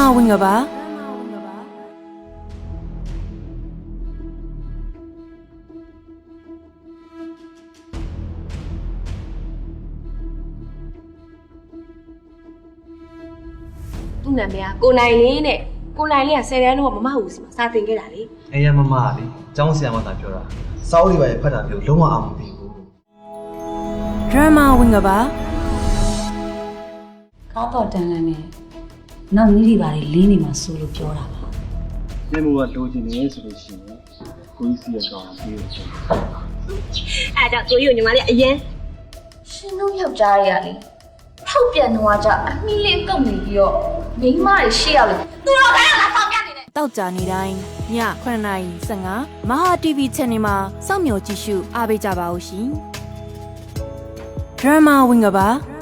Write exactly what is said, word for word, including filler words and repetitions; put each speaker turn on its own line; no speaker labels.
ဝင်ကပါ
သူ့နာမည်ကကိုနိုင်လေးနဲ့ကိုနိုင်လေးကဆယ်တန်းတော့မမဟုတ်စီမှာစာသင်ခဲ့တာလေ
အေးရမမလေးကျောင်းဆရာမသာပြောတာစောက်လေးပါရဖတ်တာမျိုးလုံးဝအောင်မသိဘူး
ဒရမာဝင်ကပါ
ကားတော့တန်လန်းနဲ့နောက်နည်းတွေပါလေလင်းနေမှာစိုးလို့ပြောတာပါ
မျက်မှောကလိုချင်နေဆိုလို့ရှိရင်ကိုကြီးစီရကောင်ပြေးလို့ရှိရင်
အဲ့ဒါကိုကြီးကိုညီမလေးအရင်
ရှင်တို့ယောက်ျားတွေကလေထောက်ပြန်တော့ကြအမီလေးကုတ်နေပြီးတော့မိန်းမတွေရှေ့ရောက်လေသူတို့ကလည်းလာဆောင်ပြနေတယ်
တောက်ကြနေတိုင်းညခုနှစ်နာရီဆယ်ငါမဟာ တီဗီ channel မှာစောင့်မျှော်ကြည့်ရှုအားပေးကြပါဦးရှင်ဒရမာဝင်ကပါ